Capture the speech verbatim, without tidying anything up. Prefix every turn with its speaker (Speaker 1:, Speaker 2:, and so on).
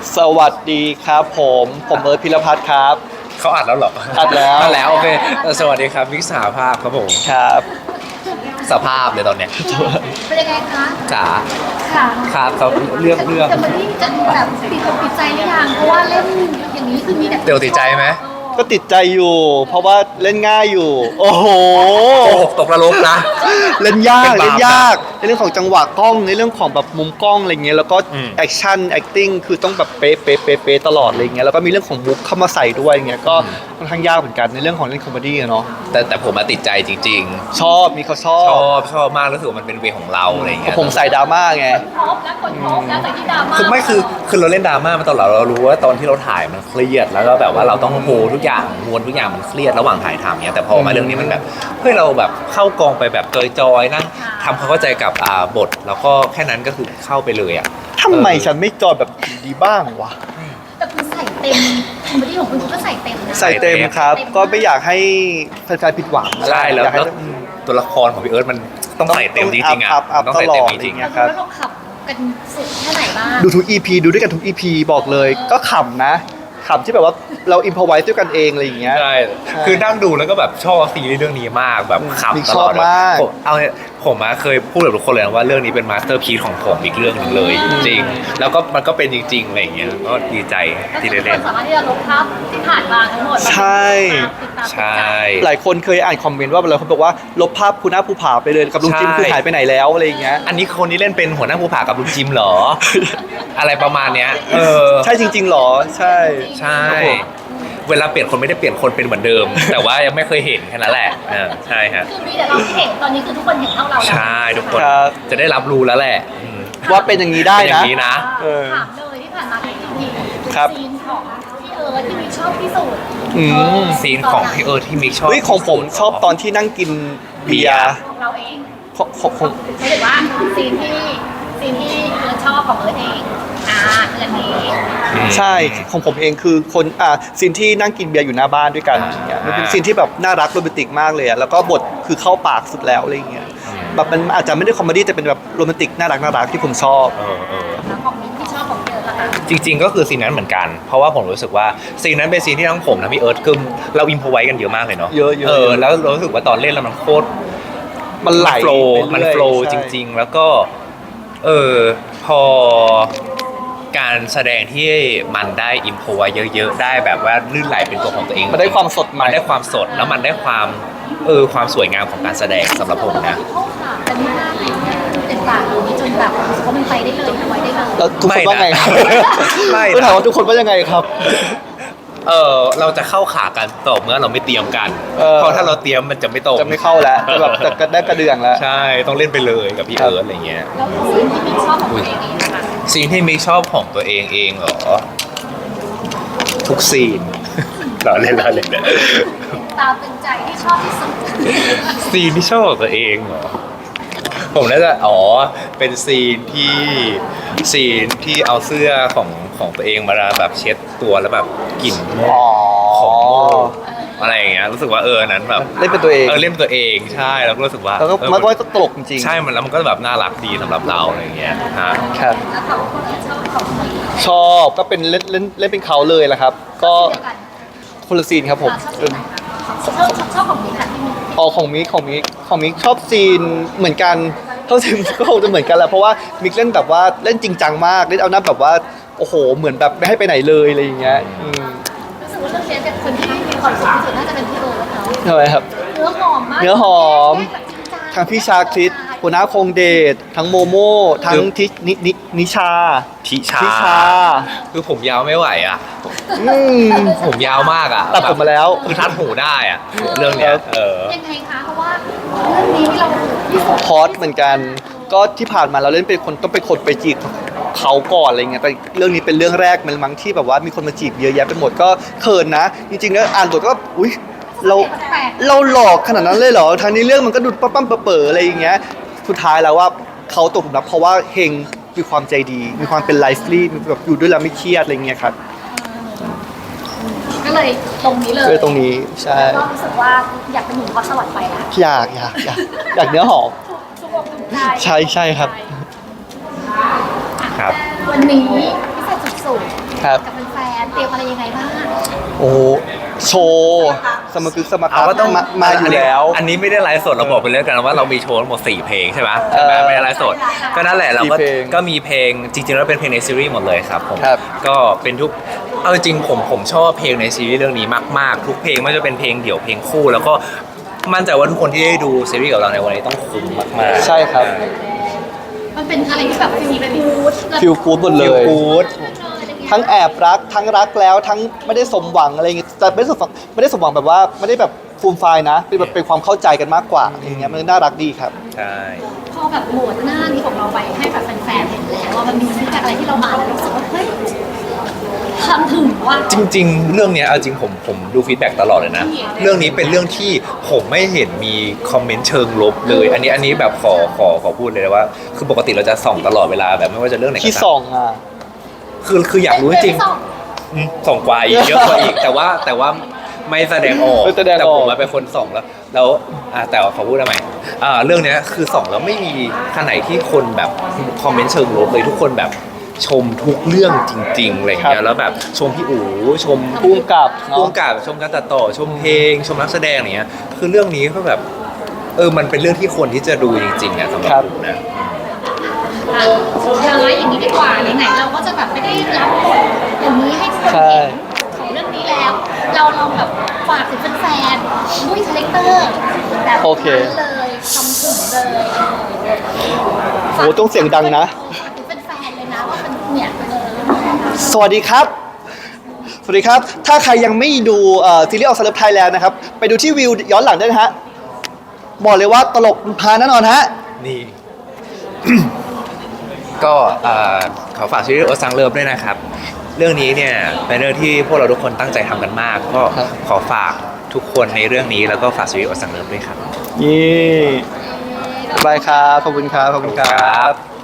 Speaker 1: สวัสดีครับผมผมเอิร์ธพิรพัฒน์ครับ
Speaker 2: เขาอัดแล้วเหรอ
Speaker 1: อัดแล้ว
Speaker 2: อัดแล้วโอเคสวัสดีครับวิกสาภาพครับผม
Speaker 1: ครับ
Speaker 2: สภาพเลยตอนเนี้ย
Speaker 3: เป็นยังไงคะ
Speaker 2: จ๋า
Speaker 3: ค่ะ
Speaker 2: ครับเขาเรื่องเรื่อง
Speaker 3: จะมาที่จะแบบติดอกติดใจหรือยังเพราะว่าเล่นอย่างนี้คือมีแต่
Speaker 2: เดี๋ยวติดใจไหม
Speaker 1: ก็ติดใจอยู่เพราะว่าเล่นง่ายอยู่โอ้โห
Speaker 2: โอ้ตกนรกนะ
Speaker 1: เล่นยากเล่นยากในเรื่องของจังหวะกล้องในเรื่องของแบบมุมกล้องอะไรเงี้ยแล้วก็แอคชั่นแอคติ้งคือต้องแบบเป๊ะเป๊ะเป๊ะเป๊ะตลอดอะไรเงี้ยแล้วก็มีเรื่องของมุกเข้ามาใส่ด้วยเงี้ยก็ค่อนข้างยากเหมือนกันในเรื่องของเล่นคอมเมดี้เนาะ
Speaker 2: แต่แต่ผมมาติดใจจริง
Speaker 1: ๆชอบมีเขาชอบ
Speaker 2: ชอบชอบมากรู้สึกว่ามันเป็นเวของเราอะไรเงี้ย
Speaker 1: ผมใส่ดราม่าไง
Speaker 3: พบแล้วคนพบแล้วแต่ที่ดราม่า
Speaker 2: คือไม่คือคือเราเล่นดราม่ามาตลอดเรารู้ว่าตอนที่เราถ่ายมันเครียดแล้วก็แบบว่าเราต้องโฮทุกอย่างมวลทุกอย่างมันเครียดระหว่างถ่ายทำเนี้ยแต่พอมาเรื่องนี้มันแบบเฮ้ยเราแบบเข้ากองไปแบบจอยๆนั่งทำความเข้าใจกับอ่าบทแล้วก็แค่นั้นก็คือเข้าไปเลยอ่ะ
Speaker 1: ทำไมฉันไม่จอยแบบดีบ้างวะ
Speaker 3: แต่คุณใส่เต็มคอมเมดี้ของคุณก็ใส่เต็มนะ
Speaker 1: ใส่เต็มครับก็ไม่อยากให้แฟนๆผิดหวัง
Speaker 2: ใช่แล้วตัวละครของพี่เอิร์ธมันต้องใส่เต็มจริงๆอ่ะต้องใส่เต็มจริง
Speaker 3: ๆครับแล้วเราขับกันสุดแค่ไหนบ้าง
Speaker 1: ดูทุก อี พี ดูด้วยกันทุก อี พี บอกเลยก็ขำนะขำที่แบบว่าเราอิมพอไว้ด้วยกันเองอะไรอย่างเงี้ย
Speaker 2: ใช่คือนั่งดูแล้วก็แบบชอบซีรีส์เรื่องนี้มากแบบขำตลอดผมเอาผมมาเคยพูดกับทุกคนเลยว่าเรื่องนี้เป็นมาสเตอร์พีซของผมอีกเรื่องนึงเลยจริงแล้วก็มันก็เป็นจริงๆอะไรอย่างเงี้ยก็ดีใจที่ได้เล่น
Speaker 3: สามารถที่จะลบภาพที่ผ่านมาทั้งหมด
Speaker 1: ใช่
Speaker 2: ใช่
Speaker 1: หลายคนเคยอ่านคอมเมนต์ว่าอะไรเขาบอกว่าลบภาพคุณหน้าภูผาไปเลยกับลุงจิมคือหายไปไหนแล้วอะไรอย่างเงี้ย
Speaker 2: อันนี้คนนี้เล่นเป็นหัวหน้าภูผากับลุงจิมเหรออะไรประมาณเนี้ยเออ
Speaker 1: ใช่จริงๆหรอใช่
Speaker 2: ใช่เวลาเปลี่ยนคนไม่ได้เปลี่ยนคนเป็นเหมือนเดิมแต่ว่ายังไม่เคยเห็นแค่นั้นแหละใช่ฮะ
Speaker 3: คือมีแต่เราเห็นตอนนี้คือทุกคนเห็นเท่าเรา
Speaker 2: ใช่ทุกคนจะได้รับรู้แล้วแหละ
Speaker 1: ว่าเป็นอย่างนี้ได้นะ
Speaker 2: อย่างนี้นะ
Speaker 3: ถามเลยที่ผ่านมาที่ที
Speaker 1: ครับ
Speaker 3: ซีนของพี่เอิร์ธที่มิกชอบที่สุด
Speaker 2: ซีนของพี่เอิร์ธที่มิกชอบ
Speaker 1: เฮ้ยของผมชอบตอนที่นั่งกินเบียร์
Speaker 3: ของเราเอง
Speaker 1: ของของ
Speaker 3: ไม่ถึงว่าซีนที่ซีนที่เอิร์ธชอบของเอิร์ธเองอ่าเรื่องนี้
Speaker 1: ใช่ของผมเองคือคนอ่าซีนที่นั่งกินเบียร์อยู่หน้าบ้านด้วยกันอย่างเงี้ยมันเป็นซีนที่แบบน่ารักโรแมนติกมากเลยอ่ะแล้วก็บทคือเข้าปากสุดแล้วอะไรอย่างเงี้ยแบบมันอาจจะไม่ได้คอมเมดี้แต่เป็นแบบโรแมนติกน่ารักน่ารักที่ผมชอบ
Speaker 2: เออเออ
Speaker 3: แล้วของมิ้นที่ชอบของเอิร์ธล่ะคะ
Speaker 2: จริงๆก็คือซีนนั้นเหมือนกันเพราะว่าผมรู้สึกว่าซีนนั้นเป็นซีนที่ทั้งผมและพี่เอิร์ธคือเราอิมพอไว้กันเยอะมากเลยเนาะ
Speaker 1: เยอะ
Speaker 2: เออแล้วรู้สึกว่าตอนเล่นแล้วมันโคตร
Speaker 1: มันไหล
Speaker 2: โฟล์มันโฟล์จริงๆแล้วก็เออพอการแสดงที่มันได้อิมพอไว้เยอะๆได้แบบว่าลื่นไหลเป็นตัวของตัวเอง
Speaker 1: มันได้ความสด
Speaker 2: มันได้ความสดแล้วมันได้ความเออความสวยงามของการแสดงสำหรับผมนะ
Speaker 3: เข้าขากันมากเลยเป็นปากตรงนี้จนแบบรู้สึกว่ามันไปได้เลยไว้ได้เลย
Speaker 1: แล้วทุกคนว่าไงครับ
Speaker 2: ไม่
Speaker 1: ถามว่าทุกคนว่ายังไงครับ
Speaker 2: เออเราจะเข้าขากันต่อเมื่อเราไม่เตรียมกันเพราะถ้าเราเตรียมมันจะไม่ตรง
Speaker 1: จะไม่เข้าแล้วจะแบบจะได้กระเดื่องแล้ว
Speaker 2: ใช่ต้องเล่นไปเลยกับพี่เอิร์ธอะไรเงี้ย
Speaker 3: แล้วซีนที่มิกชอบของตัวเองเองนะคะ
Speaker 2: ซีนที่มิกชอบของตัวเองเองเหรอทุกซีนเราเล่นเราเล่น
Speaker 3: ตาเป็นใจที่ชอบที่สุด
Speaker 2: ซีนที่ชอบของตัวเองเหรอผมน่าจะอ๋อเป็นซีนที่ซีนที่เอาเสื้อของของตัวเองมาแบบเช็ดตัวแล้วแบบกลิ่นของอะไรอย่างเงี้ยรู้สึกว่าเออนั้นแบบ
Speaker 1: เล่นเป็นตัวเอง
Speaker 2: เออเล่นเป็นตัวเองใช่แล้วก็รู้สึกว่า
Speaker 1: แล้วก็มันก็ตลกจริง
Speaker 2: ใช่มันแล้วมันก็แบบน่ารักดีสำหรับเราอะไรอย่างเงี้ยฮะ
Speaker 1: ครับ
Speaker 3: แล้วของคนที่ชอบของ
Speaker 1: ชอบก็เป็นเล่นเล่นเล่นเป็นเขาเลยแหละครับก็คนละซีนครับผม
Speaker 3: ชอบชอบของมิกค่ะที่มิก
Speaker 1: อ๋อของมิกของมิกของมิกชอบซีนเหมือนกันเท่าที่ก็คงจะเหมือนกันแหละเพราะว่ามิกเล่นแบบว่าเล่นจริงจังมากเล่นเอาหน้าแบบว่าโอ้โหเหมือนแบบไม่ให้ไปไหนเลยอะไรอย่างเงี้ย
Speaker 3: รู้สึกว่าเรื่องนี้เป็นคนที่มีความสุขที่สุดน่าจะเป็นพี่โอ๊ตเขา
Speaker 1: ทำไมครับ
Speaker 3: เนื้อหอมมาก
Speaker 1: เนื้อหอมทั้งพี่ชาคริสหัวหน้าคงเดชทั้งโมโม่ทั้งทินินินิชา
Speaker 2: ทิชา
Speaker 1: ทิชา
Speaker 2: คือผมยาวไม่ไหวอ่ะผมยาวมากอ่ะ
Speaker 1: ตัดผมมาแล้ว
Speaker 2: คือทัดหูได้อ่ะเรื่องนี้เออ
Speaker 3: ยังไงคะเพราะว่าเรื่องนี้เรา
Speaker 1: ฮอตเหมือนกันก็ที่ผ่านมาเราเล่นเป็นคนต้องเป็นคนไปจีบเขาก่อนอะไรเงี้ยแต่เรื่องนี้เป็นเรื่องแรกมันมั้งที่แบบว่ามีคนมาจีบเยอะแยะไปหมดก็เขินนะจริงๆแล้วอ่านบทก็อุ๊ยเราเราหลอกขนาดนั้นเลยเหรอทางนี้เรื่องมันก็ดูปั๊มปั๊มเป๋ออะไรอย่างเงี้ยสุดท้ายแล้วว่าเขาตกหลุมรักเพราะว่าเฮงมีความใจดีมีความเป็นไลฟ์ลี่แบบอยู่ด้วยแล้วไม่เครียดอะไรเงี้ยครับ
Speaker 3: ก็เลยตรงนี้เลย
Speaker 1: เลยตรงนี้ใช่
Speaker 3: ก็รู้สึกว่าอยากเป็นหนุ่มพอสวรรค์ไปนะ
Speaker 1: อยากอยากอยากอยากเนื้อหอมใช่ใช่ครับ
Speaker 2: ครับ
Speaker 3: วันนี้พิเศษสุด
Speaker 1: ครับ
Speaker 3: กับแฟนๆเตรียมอะไรยังไงบ้าง
Speaker 1: โอ้โชว์สมกึกสม
Speaker 2: เอา
Speaker 1: การ
Speaker 2: ก็ต้อง
Speaker 1: มามาอยู่แล้ว
Speaker 2: อันนี้ไม่ได้ไลฟ์สดเราบอกไปเรื่องกันว่าเรามีโชว์ทั้งหมดสี่เพลงใช่ไหมใช่ไหม
Speaker 1: เออ
Speaker 2: ไม่ได้ไลฟ์สดก็นั่นแหละเราก็
Speaker 1: สี่เพลง
Speaker 2: ก็มีเพลงจริงๆแล้วเป็นเพลงในซีรีส์หมดเลยครับผม
Speaker 1: ครับ
Speaker 2: ก็เป็นทุกเอาจริงๆผมผมชอบเพลงในซีรีส์เรื่องนี้มากๆทุกเพลงไม่ว่าจะเป็นเพลงเดี่ยวเพลงคู่ แล้วก็มั่นใจว่าทุกคนที่ได้ดูซีรีส์กับเราในวันนี้ต้องคุ้มมากๆ
Speaker 1: ใช่ครับ
Speaker 3: มันเป็นอะไรที่แบบฟีลเป็นฟูด
Speaker 1: ฟิลกู๊ดหมดเล
Speaker 2: ฟิล
Speaker 1: ย
Speaker 2: กู๊ด
Speaker 1: ทั้งแอบรักทั้งรักแล้วทั้งไม่ได้สมหวังอะไรอย่างเงี้ยแต่ไม่ได้สมหวังไม่ได้สมหวังแบบว่าไม่ได้แบบฟูมไฟายนะเป็นแบบเป็นความเข้าใจกันมากกว่าอย่างเงี้ยมันน่ารักดีครับ
Speaker 2: ใช่
Speaker 3: พอแบบโหมดหน้านี้ของเราไปให้แบบแฟนๆเห็นแล้วว่ามันมีฟีดแบ็กอะไรที่เราอ่านแล้วรู้สึกว่าเฮ้ยทำถึงว่า
Speaker 2: จริงๆ เรื่องเนี้ยเอาจริงผมผมดูฟีดแบ็กตลอดเลยนะ เรื่องนี้เป็นเรื่องที่ผมไม่เห็นมีคอมเมนต์เชิงลบเลย อันนี้อันนี้แบบขอขอขอพูดเลยนะว่า คือปกติเราจะส่องตลอดเวลาแบบไม่ว่าจะเรื่องไหนก็
Speaker 1: ที่
Speaker 2: ตาม
Speaker 1: สองอ่ะ
Speaker 2: คือคืออยากรู้จริง
Speaker 3: เป็นสอง
Speaker 2: ๆอืมส่องกว่าอีกเยอะกว่าอีก แต่ว่าแต่ว่าไม่แสดงออก
Speaker 1: ไม่แสดงออก
Speaker 2: แต่ผมมาเป็นคนส่องแล้ว แล้วอ่าแต่ว่าขอพูดทำไมอ่าเรื่องเนี้ยคือส่องแล้วไม่มีขนาดที่คนแบบคอมเมนต์เชิงลบเลยทุกคนแบบชมทุกเรื่องจริงๆอะไรอย่างเงี้ยแล้วแบบชมพี่อู๋ชม
Speaker 1: พุ่งกับ
Speaker 2: ร่
Speaker 1: เนาะ
Speaker 2: วมกับชมการตัดต่อชมเพลง ชมนักแสดงอะไรเงี้ยคือเรื่องนี้ก็แบบเออมันเป็นเรื่องที่คนที่จะดูจริงๆอ่ะสำหรับผมนะ
Speaker 3: อ่ะสุดท้ายอย่างนี้ดีกว่าไหนๆเราก็จะแบบไม่ได้รับบทอย่างนี้ให้คน
Speaker 1: ใช่
Speaker 3: เห็นของเรื่องนี้แล้ว เราลองแบบฝากถึงแฟนๆด้วยคาแรคเตอร์แบบ
Speaker 1: โอเค
Speaker 3: นั้นเลยทำถึงเลย
Speaker 1: โอ้ต้องเสียงดังนะ
Speaker 3: ฝากถึงแฟนๆเลยนะว่ามันเนี่ยเออ
Speaker 1: สวัสดีครับ สวัสดีครับ ถ้าใครยังไม่ดูเอ่อซีรีส์ออกสลับไทยแลนด์นะครับ ไปดูที่วิวย้อนหลังได้นะฮะ บอกเลยว่าตลกพาแน่นอนฮะ
Speaker 2: นี่ ก็เอ่อขอฝากซีรีส์โอซังเลิฟด้วยนะครับ เรื่องนี้เนี่ยเป็นเรื่องที่พวกเราทุกคนตั้งใจทำกันมาก ก็
Speaker 1: ครับ
Speaker 2: ขอฝากทุกคนในเรื่องนี้แล้วก็ฝากซีรีส์โอซังเลิฟด้วยครับ
Speaker 1: นี่บายครับ ขอบคุณครับ ขอบคุณครับ